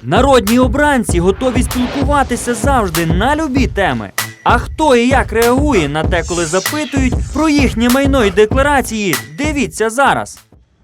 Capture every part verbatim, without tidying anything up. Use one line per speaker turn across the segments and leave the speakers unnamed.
Народні обранці готові спілкуватися завжди на любі теми. А хто і як реагує на те, коли запитують про їхнє майно і декларації, дивіться зараз.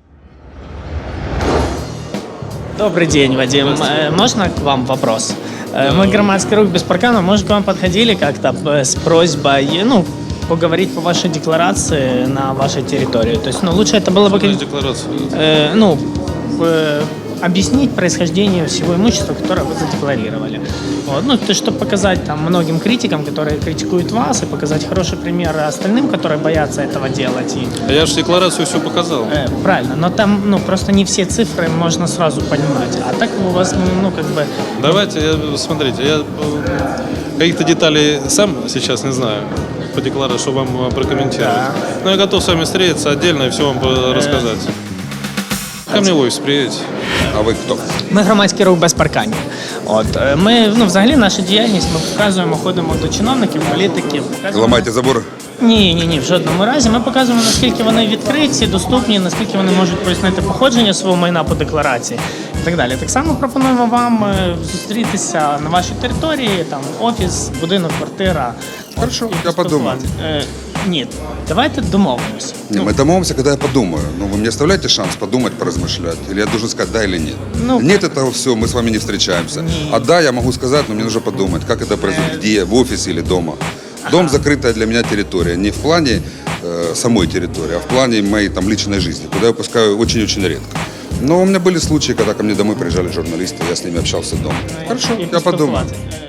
Добрый день, Вадим. Э, Можно к вам вопрос? Э, Мы, громадский рух без паркана, может, к вам подходили как-то э, с просьбой, ну, поговорить по вашей декларации на вашей территории? То есть, ну, лучше это было бы...
Декларацию.
Э, ну, э, объяснить происхождение всего имущества, которое вы задекларировали. Вот. Ну, то есть, чтобы показать там многим критикам, которые критикуют вас, и показать хороший пример остальным, которые боятся этого делать. И,
А я же декларацию все показал.
э, правильно, но там, ну, просто не все цифры можно сразу понимать. А так у вас, ну, как бы...
Давайте, я, смотрите, я э, каких-то деталей сам сейчас не знаю по декларации, чтобы вам э, прокомментировать.
Да.
Но я готов с вами встретиться отдельно и все вам э, рассказать. Ко мне в офис приедете.
А ви хто?
Ми громадський рух без парканів. От е, ми, ну, взагалі, наша діяльність, ми показуємо, ходимо до чиновників, політиків. показуємо-
Ламайте забор?
Ні, ні, ні, в жодному разі. Ми показуємо, наскільки вони відкриті, доступні, наскільки вони можуть пояснити походження свого майна по декларації і так далі. Так само пропонуємо вам е, зустрітися на вашій території, там офіс, будинок, квартира.
Хорошо,
і
я подумаю.
поспілкуватися. Е, ні, давайте домовимося.
Не, мы домовимся, когда я подумаю. Ну, вы мне оставляете шанс подумать, поразмышлять? Или я должен сказать да или нет?
Ну,
Нет этого все, мы с вами не встречаемся.
Нет.
А да, я могу сказать, но мне нужно подумать, как это произойдет, где, в офисе или дома. Дом закрытая для меня территория. Не в плане э, самой территории, а в плане моей там личной жизни, куда я пускаю очень-очень редко. Но у меня были случаи, когда ко мне домой приезжали журналисты, я с ними общался дома. Хорошо,
і
я подумаю.
поспілкуватися.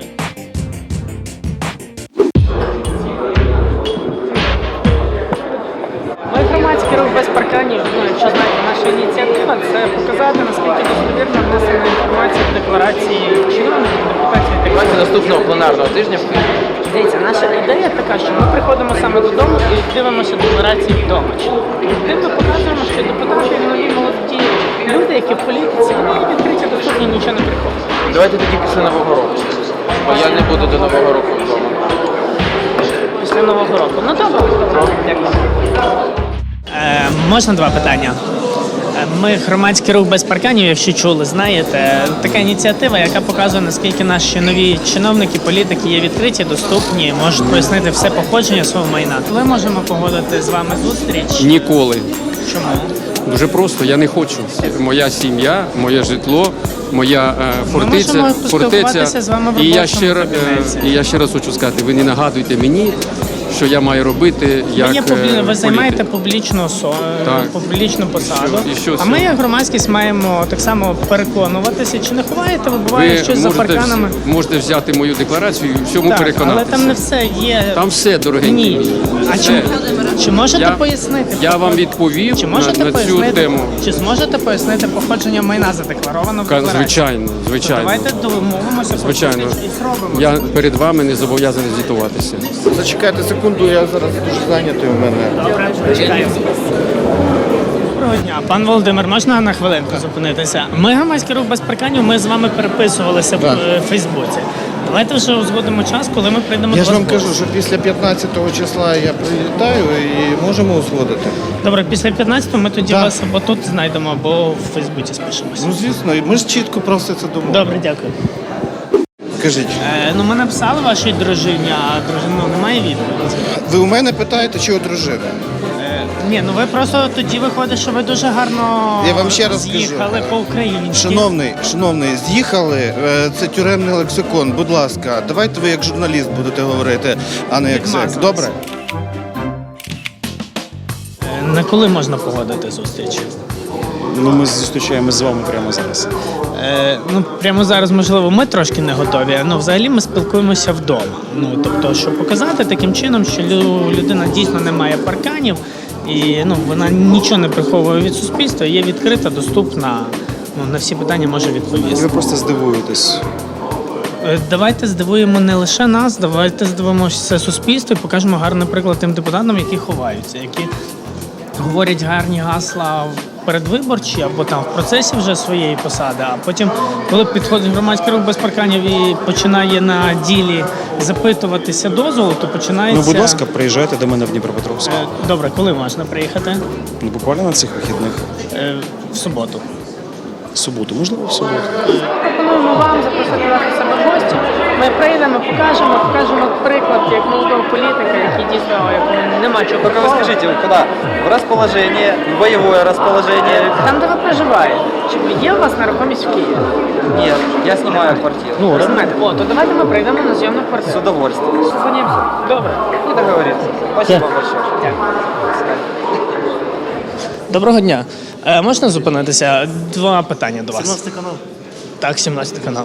Ми громадський рух без парканів. Ну, якщо знаєте, наша ініціатива це показати, наскільки достовірно внесена інформація в декларації чиновників, депутатів і так
Давайте
далі.
наступного пленарного тижня.
Дивіться, наша ідея така, що ми приходимо саме додому і дивимося декларації вдома. Тим ми показуємо, що депутати і нові молоді люди, які в політиці, вони відкриті, доступні, нічого не приховують.
Давайте тоді після Нового року. Бо я не буду до Нового року вдома.
Після Нового року. Ну добре. Дякую. Е, можна два питання? Е, Ми громадський рух без парканів, якщо чули, знаєте, така ініціатива, яка показує, наскільки наші нові чиновники, політики є відкриті, доступні, можуть пояснити все походження свого майна. Ми можемо погодити з вами зустріч.
Ніколи.
Чому?
Дуже просто, я не хочу. Моя сім'я, моє житло, моя е, фортеця.
можемо поспілкуватися з вами в
і, я
робочому
ще, ра-
кабінеті.
е, і я ще раз хочу сказати, ви не нагадуйте мені, що я маю робити як
Ви, є публі...
е,
ви займаєте
політик.
публічну, осо...
Так.
публічну посаду,
І що
а
це?
ми, як громадськість, маємо так само переконуватися, чи не ховаєте, ви буває
Ви
щось за
можете,
парканами.
вз- можете взяти мою декларацію і всьому
Так,
переконатися.
але там не все є.
Там все, дорогенькі
Ні.
мої.
А
Все.
чи, чи можете
Я-
пояснити?
Я вам відповів
Чи
на,
можете
на цю
пояснити,
тему.
Чи зможете пояснити походження майна задекларовано в
Ка-
декларації?
Звичайно,
То
звичайно.
давайте домовимося про
Звичайно.
зустріч і зробимо.
Я перед вами не зобов'язаний звітуватися.
Зачекайте секунду, я зараз дуже зайнятий у мене.
Добре, чекаємо. Доброго дня. Пан Володимир, можна на хвилинку зупинитися? Ми громадський рух без парканів, ми з вами переписувалися в е, Фейсбуці. Давайте вже узгодимо час, коли ми прийдемо
Я
до
ж
вас.
вам
в гості.
кажу, що після п'ятнадцятого числа я прилітаю і можемо узгодити.
Добре, після п'ятнадцятого ми тоді
Так.
вас або тут знайдемо, або в Фейсбуці спишемося.
Ну звісно, і ми ж чітко про все це думали.
Добре, дякую.
Кажіть,
Е, ну, ми написали вашій дружині, а дружина немає відповіді.
ви у мене питаєте, чи у дружини?
Е, ні, ну ви просто тоді виходить, що ви дуже гарно
Я вам ще раз
з'їхали
скажу.
по-українськи.
Шановний, шановний, з'їхали, е, це тюремний лексикон, будь ласка, давайте ви як журналіст будете говорити, а не як
Відмазались.
зек. Добре?
Е, на коли можна погодити зустріч?
Ну, ми зустрічаємося з вами прямо зараз.
Е, ну, прямо зараз, можливо, ми трошки не готові, але взагалі ми спілкуємося вдома. Ну, тобто, щоб показати таким чином, що лю- людина дійсно не має парканів, і ну, вона нічого не приховує від суспільства, є відкрита, доступна, ну, на всі питання може відповісти.
Ви просто здивуєтесь.
Е, Давайте здивуємо не лише нас, давайте здивуємо все суспільство і покажемо гарний приклад тим депутатам, які ховаються, які говорять гарні гасла передвиборчі або там в процесі вже своєї посади, а потім, коли підходить громадський рух без парканів і починає на ділі запитуватися дозволу, то починається...
Ну, будь ласка, приїжджайте до мене в Дніпропетровськ.
Е, Добре, коли можна приїхати?
Ну, буквально на цих вихідних.
Е, В суботу.
суботу, можливо, в суботу.
Пропонуємо вам запросити нас до себе в гості. Ми прийдемо, покажемо, покажемо приклад як молодого політика, який дійсно якому нема чого.
Только вы скажите, вы куда? В расположение, в боевое расположение?
Там, де ви проживаєте, чи є у вас нерухомість в Києві?
Нет, я снимаю квартиру.
Ну, розумієте, о, то давайте ми прийдемо на зйомну
С
квартиру.
удовольствием.
Созвонимося. Добре.
Ну, договорились. Спасибо большое.
Доброго дня. Е, можна зупинитися? Два питання до вас. сімнадцятий канал. Так, сімнадцятий канал.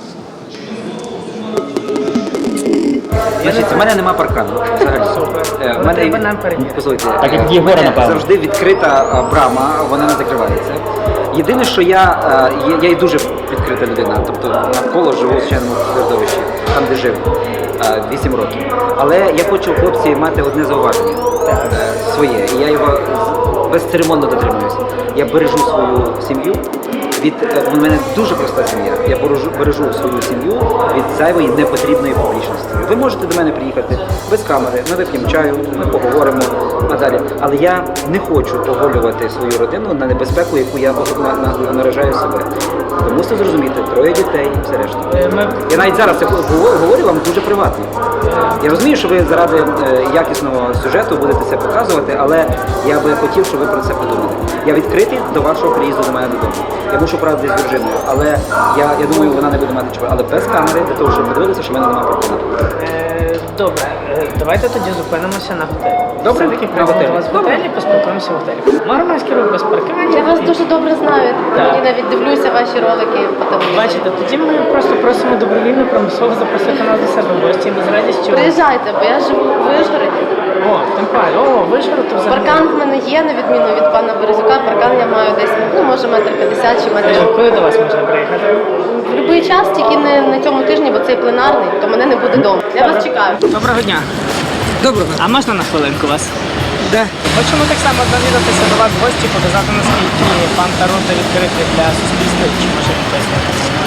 Значить, у мене нема паркану. Взагалі. Е, в мене
Треба нам перевірити.
послухайте, е, в мене завжди відкрита е, брама, вона не закривається. Єдине, що я, е, є- я і дуже відкрита людина, тобто навколо живу в звичайному середовищі, там де жив е, вісім років. Але я хочу, хлопці, мати одне зауваження е, своє, і я його з- безцеремонно дотримуюся. Я бережу свою сім'ю. Від е, у мене дуже проста сім'я. Я бережу, бережу свою сім'ю від зайвої непотрібної публічності. Ви можете до мене приїхати без камери, ми вип'ємо чаю, ми поговоримо надалі. Але я не хочу оголювати свою родину на небезпеку, яку я на, на, наражаю себе. Ви мусите зрозуміти, троє дітей і все решта. Я навіть зараз це говорю, говорю вам дуже приватно. Я розумію, що ви заради е, якісного сюжету будете це показувати, але я би хотів, щоб ви про це подумали. Я відкритий до вашого приїзду до мене додому. Я мушу правда з Вірджиною, але я, я думаю, вона не буде мати чого. Але без камери, для того, щоб подивитися, що в мене немає паркану.
Е, Добре, Е, давайте тоді зупинимося на готелі.
Добре?
Все-таки
На
прийдемо
готелі.
до вас в готелі, поспілкуємося в готелі. Ми громадський рух без паркування.
Я вас дуже добре знаю.
Так.
Мені навіть дивлюся ваші ролики по телевізору.
Бачите, тоді ми просто просимо добровільно примусово запросити нас до себе в гості. Ми з радістю.
Приїжджайте, бо я живу в Вишгороді.
О, тим паче, о, Вишгород, то взагалі.
Паркан в мене є, на відміну від пана Березюка. Паркан я маю десь, ну, може, метр п'ятдесят чи метр.
Е, Коли до вас можна приїхати?
В будь-який час, тільки не на цьому тижні, бо цей пленарний, то мене не буде вдома. Я вас чекаю.
Доброго дня.
Доброго.
А можна на хвилинку вас?
Да.
Хочемо так само навідатися до вас в гості, показати, наскільки пан Тарута відкритий для суспільства, чи може він пояснити.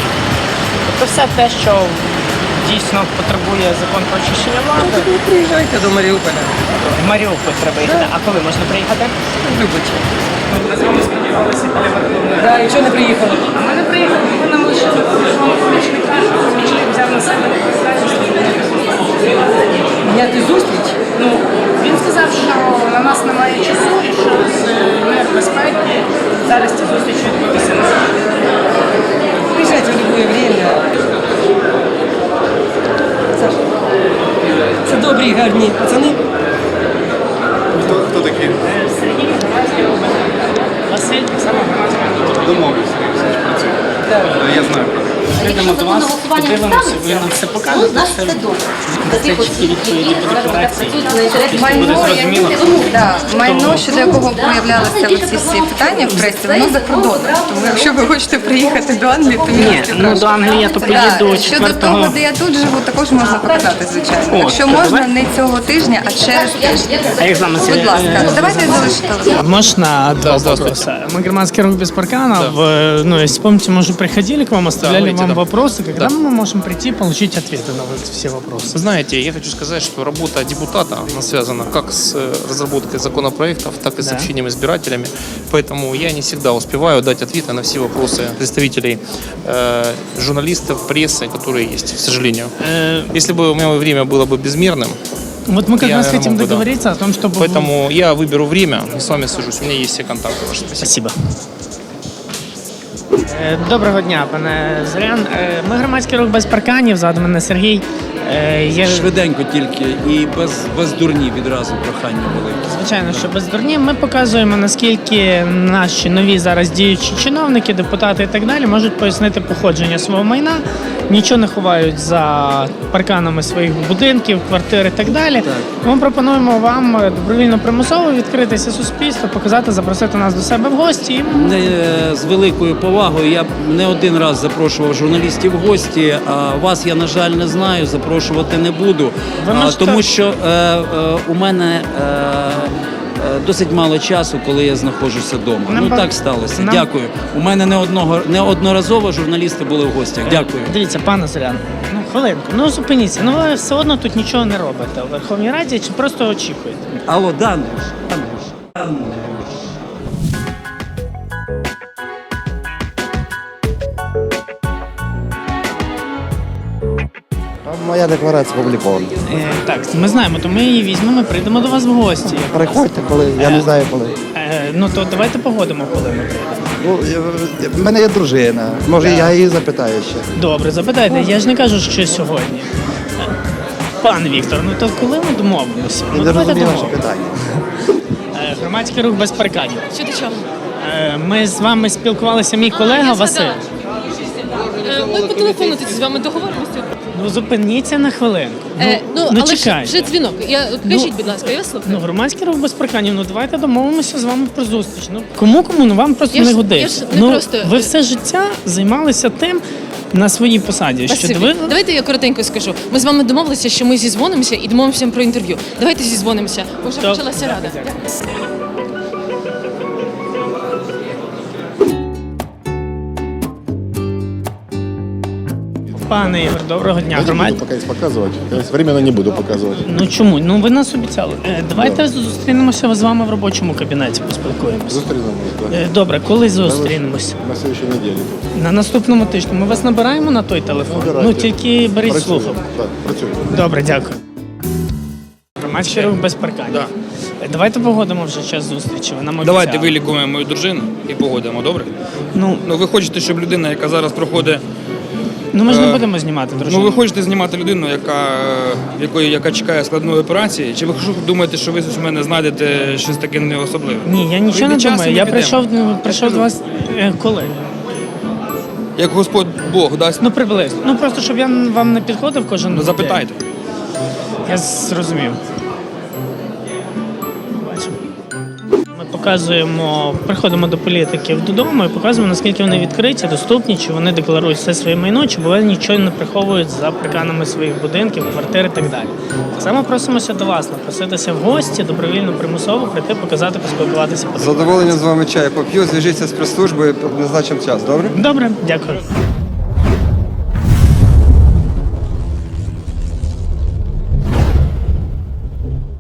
Тобто все те, що дійсно потребує закон про очищення влади.
Приезжайте до Мариуполя.
В Маріуполь треба їхати. А коли можна приїхати?
Любите.
Ми з вами сподівалися, коли ви
Да, і чого не приїхали?
А ми не приїхали, ви нам лише помічника, помічник взяв на себе представництво.
Міняти зустріч?
Ну, він сказав, що на нас немає часу і що з мер безпеки зараз ці зустрічі відбутися не зможуть.
Приїжджайте в любое время. Саша, це добрі, гарні пацани.
Хто такі?
Сергій Громадський робить. Василь, так само громадський.
Домовився, Сергій працює. Я знаю.
Прийдемо до вас, подивимося, ви нам все покажете. Це, це чіткі відповіді по декларації. Буде зрозуміло.
Да, майно, щодо якого появлялися оці всі питання в пресі, воно за кордоном. Тому якщо ви хочете приїхати до Англії, то
Ні, ну до Англії я то поїду
да, щодо
четвертого.
того, де я тут живу, також можна показати, звичайно.
О,
Якщо
то
можна,
давай.
не цього тижня, а через тиждень.
А як з вами
Будь ласка, давайте я залишу телефон.
Можно два вопроса? Мы громадский рух без паркана. В, ну, если помните, мы уже приходили к вам, оставляли
Да,
вам
да.
вопросы. Когда мы можем прийти и получить ответы на вот все вопросы?
Знаете, я хочу сказать, что работа депутата она связана как с э, разработкой законопроектов, так и с
Да.
общением с избирателями. Поэтому я не всегда успеваю дать ответы на все вопросы представителей э, журналистов, прессы, которые есть, к сожалению.
Э,
Если бы мое время было бы безмерным,
вот мы как
Я
раз хотим
мог бы, да.
договориться о том, чтобы... вы-
поэтому я выберу время и с вами свяжусь. У меня есть все контакты ваши. Спасибо.
Спасибо. Е, Доброго дня, пане Зорян. Е, Ми громадський рух без парканів, ззаду мене Сергій. Е, Є...
Швиденько тільки і без, без дурні відразу прохання велике.
Звичайно, що без дурні. Ми показуємо, наскільки наші нові зараз діючі чиновники, депутати і так далі можуть пояснити походження свого майна, нічого не ховають за парканами своїх будинків, квартир і так далі. Ми пропонуємо вам добровільно примусово відкритися суспільству, показати, запросити нас до себе в гості. І
Не, з великою повагою я б не один раз запрошував журналістів в гості, а вас я, на жаль, не знаю, запрошувати не буду.
Ви
А,
можете-
тому що е, е, у мене е, е, досить мало часу, коли я знаходжуся вдома.
Нам
Ну
ба-
так сталося.
нам-
Дякую. У мене не одного неодноразово журналісти були в гостях. Дякую.
Дивіться, пане Зорян, ну хвилинку, ну зупиніться, ну ви все одно тут нічого не робите у Верховній Раді чи просто очікуєте?
Алло, Дануш, Дануш, Дануш.
Моя декларація опублікована.
Е, так, ми знаємо, то ми її візьмемо, прийдемо до вас в гості.
Приходьте, коли, я не знаю коли.
Е, ну то давайте погодимо, коли ми прийдемо.
Ну, я- в мене є дружина, може я її запитаю ще.
Добре, запитайте, я ж не кажу, що сьогодні. Е, Пан Віктор, ну то коли ми домовимося?
Я
Ну
не
давайте
розумію ваше
домовимося.
питання.
Е, Громадський рух без парканів.
Що до чого?
Е, Ми з вами спілкувалися, мій колега Василь.
Е, Ми по телефону тоді з вами договоримося.
Ну зупиніться на хвилинку. Ну,
Е, ну,
ну
але ж
чекайте.
вже дзвінок. Я, кажіть, будь ласка, я вас слухаю.
Ну, громадський рух без парканів, ну давайте домовимося з вами про зустріч. Ну кому кому, ну вам просто
Я
не
ж-
годиться.
я ж не
ну,
просто-
ви все життя займалися тим на своїй посаді. Що
Василь,
ви...
давайте я коротенько скажу. Ми з вами домовилися, що ми зізвонимося і домовимося про інтерв'ю. Давайте зізвонимося, бо вже
Добре.
почалася рада.
Пане Ігор, доброго дня.
Я не
Громад...
буду пока их показывать. Временно не буду показывать.
Ну чому? Ну ви нас обіцяли. Е, Давайте зустрінемося з вами в робочому кабінеті, поспілкуємося.
Зустрінемось, да.
Е, Добре, коли зустрінемося?
На следующей неделе.
На наступному тижні. Ми вас набираємо на той телефон.
Набирайте.
Ну тільки беріть
Працюємо.
слухавку.
Так, працюємо.
Добре, дякую. Громадський рух без парканів.
Да.
Е, Давайте погодимо вже час зустрічі. Ви нам
Давайте
обіцяли.
вилікуємо мою дружину і погодимо, добре?
Ну,
Ну ви хочете, щоб людина, яка зараз проходить.
ну ми ж не
Е,
будемо знімати, дружину.
Ну ви хочете знімати людину, яка, в якої, яка чекає складної операції, чи ви думаєте, що ви з мене знайдете щось таке неособливе?
Ні, я нічого не
Прийде час, і
думаю.
ми
Я
підемо.
прийшов, ну, прийшов до вас е, коли?
Як Господь Бог дасть,
Ну приблизно. Ну просто щоб я вам не підходив кожен
ну
день.
запитайте.
Я зрозумів. Бачимо. Ми показуємо, приходимо до політиків додому і показуємо, наскільки вони відкриті, доступні, чи вони декларують все своє майно, чи вони нічого не приховують за парканами своїх будинків, квартир і так далі. Так само просимося до вас, напроситися в гості, добровільно, примусово прийти, показати, поспілкуватися.
З задоволенням з вами чай поп'ю, зв'яжіться з прес-службою, назначимо час, добре?
Добре, дякую.